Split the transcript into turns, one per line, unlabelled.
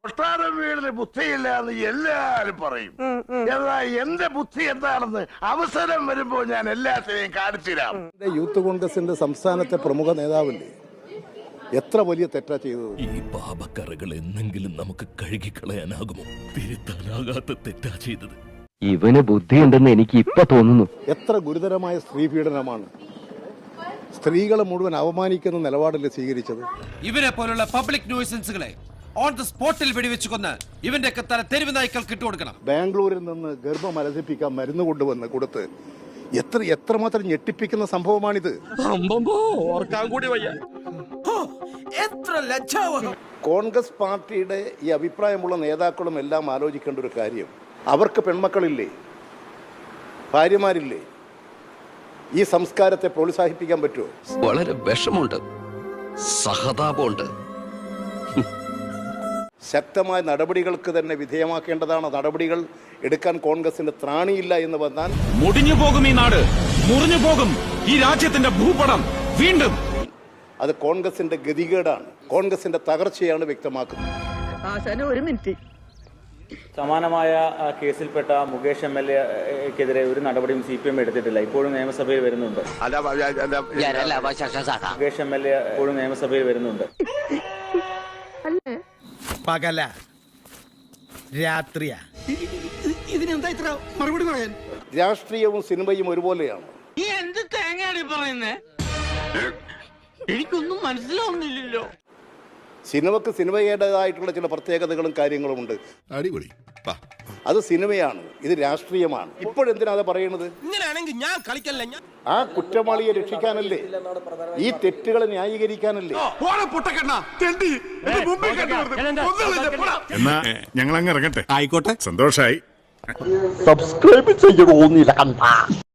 കൊട്ടാരം വീടിന് ബുദ്ധിയില്ല എന്ന് എല്ലാരും പറയും. എന്നാൽ എന്റെ ബുദ്ധി എന്താണെന്ന് അവസരം വരുമ്പോൾ ഞാൻ എല്ലാത്തിനെയും കാണിച്ചുതരാം.
യൂത്ത് കോൺഗ്രസിന്റെ സംസ്ഥാനത്തെ പ്രമുഖ നേതാവല്ലേ, എത്ര വലിയ തെറ്റാ ചെയ്തത്.
ഈ പാപക്കറകൾ എന്നെങ്കിലും നമുക്ക് കഴുകിക്കളയാനാകുമോ? തിരുത്താനാകാത്ത തെറ്റാ ചെയ്തത്.
ഇവന് ബുദ്ധിയുണ്ടെന്ന് എനിക്ക് ഇപ്പൊ തോന്നുന്നു.
എത്ര ഗുരുതരമായ സ്ത്രീ പീഡനമാണ്. സ്ത്രീകളെ മുഴുവൻ അവമാനിക്കുന്ന നിലപാടല്ലേ സ്വീകരിച്ചത്.
ഇവരെ പോലുള്ള പബ്ലിക് ന്യൂസൻസുകളെ ഓൺ ദ സ്പോട്ടിൽ വെടിവെച്ച് കൊന്ന് ഇവന്റെ തല തെരുവ് നായ്ക്കൾക്ക് ഇട്ടുകൊടുക്കണം.
ബാംഗ്ലൂരിൽ നിന്ന് ഗർഭം അലസിപ്പിക്കാൻ മരുന്ന് കൊണ്ടുവന്ന് കൊടുത്ത് എത്രമാത്രം ഞെട്ടിപ്പിക്കുന്ന സംഭവമാണിത്. കോൺഗ്രസ് പാർട്ടിയുടെ ഈ അഭിപ്രായമുള്ള നേതാക്കളും എല്ലാം ആലോചിക്കേണ്ട ഒരു കാര്യം, അവർക്ക് പെൺമക്കളില്ലേ, ഭാര്യമാരില്ലേ? ഈ സംസ്കാരത്തെ പ്രോത്സാഹിപ്പിക്കാൻ പറ്റുമോ?
വളരെ വിഷമുണ്ട്, സഹതാപമുണ്ട്.
ശക്തമായ നടപടികൾക്ക് തന്നെ വിധേയമാക്കേണ്ടതാണ്. നടപടികൾ എടുക്കാൻ കോൺഗ്രസിന് ത്രാണിയില്ല എന്ന് വന്നാൽ
മുടിഞ്ഞു പോകും ഈ നാട്, മുറിഞ്ഞു പോകും ഈ രാജ്യത്തിന്റെ ഭൂപടം. വീണ്ടും
അത് കോൺഗ്രസിന്റെ ഗതികേടാണ്, കോൺഗ്രസിന്റെ തകർച്ചയാണ് വ്യക്തമാക്കുന്നത്.
ഒരു മിനിറ്റ്.
സമാനമായ കേസിൽപ്പെട്ട മുകേഷ് MLA-ക്കെതിരെ ഒരു നടപടിയും CPM എടുത്തിട്ടില്ല. ഇപ്പോഴും നിയമസഭയിൽ വരുന്നുണ്ട്. മുകേഷ് MLA ഇപ്പോഴും നിയമസഭയിൽ വരുന്നുണ്ട്.
പകല രാത്രിയാ ഇതിനെന്താ ഇത്ര മറുപടി പറയാൻ?
രാഷ്ട്രീയവും സിനിമയും ഒരുപോലെയാണ്.
നീ എന്ത് തേങ്ങയാണ് പറയുന്നേ? എനിക്കൊന്നും മനസ്സിലാവുന്നില്ലല്ലോ.
സിനിമക്ക് സിനിമയുടേതായിട്ടുള്ള ചില പ്രത്യേകതകളും കാര്യങ്ങളും ഉണ്ട്.
അടിപൊളി.
അത് സിനിമയാണ്, ഇത് രാഷ്ട്രീയമാണ്. ഇപ്പോഴെന്തിനാ അത് പറയുന്നത്?
ഇങ്ങനെയാണെങ്കിൽ ഞാൻ കളിക്കല്ല.
ആ കുറ്റവാളിയെ രക്ഷിക്കാനല്ലേ, ഈ തെറ്റുകളെ ന്യായീകരിക്കാനല്ലേ.
എന്നാ ഞങ്ങൾ അങ്ങ് ഇറങ്ങട്ടെ. ആയിക്കോട്ടെ, സന്തോഷായി.
സബ്സ്ക്രൈബ് ചെയ്യണമെന്നില്ല.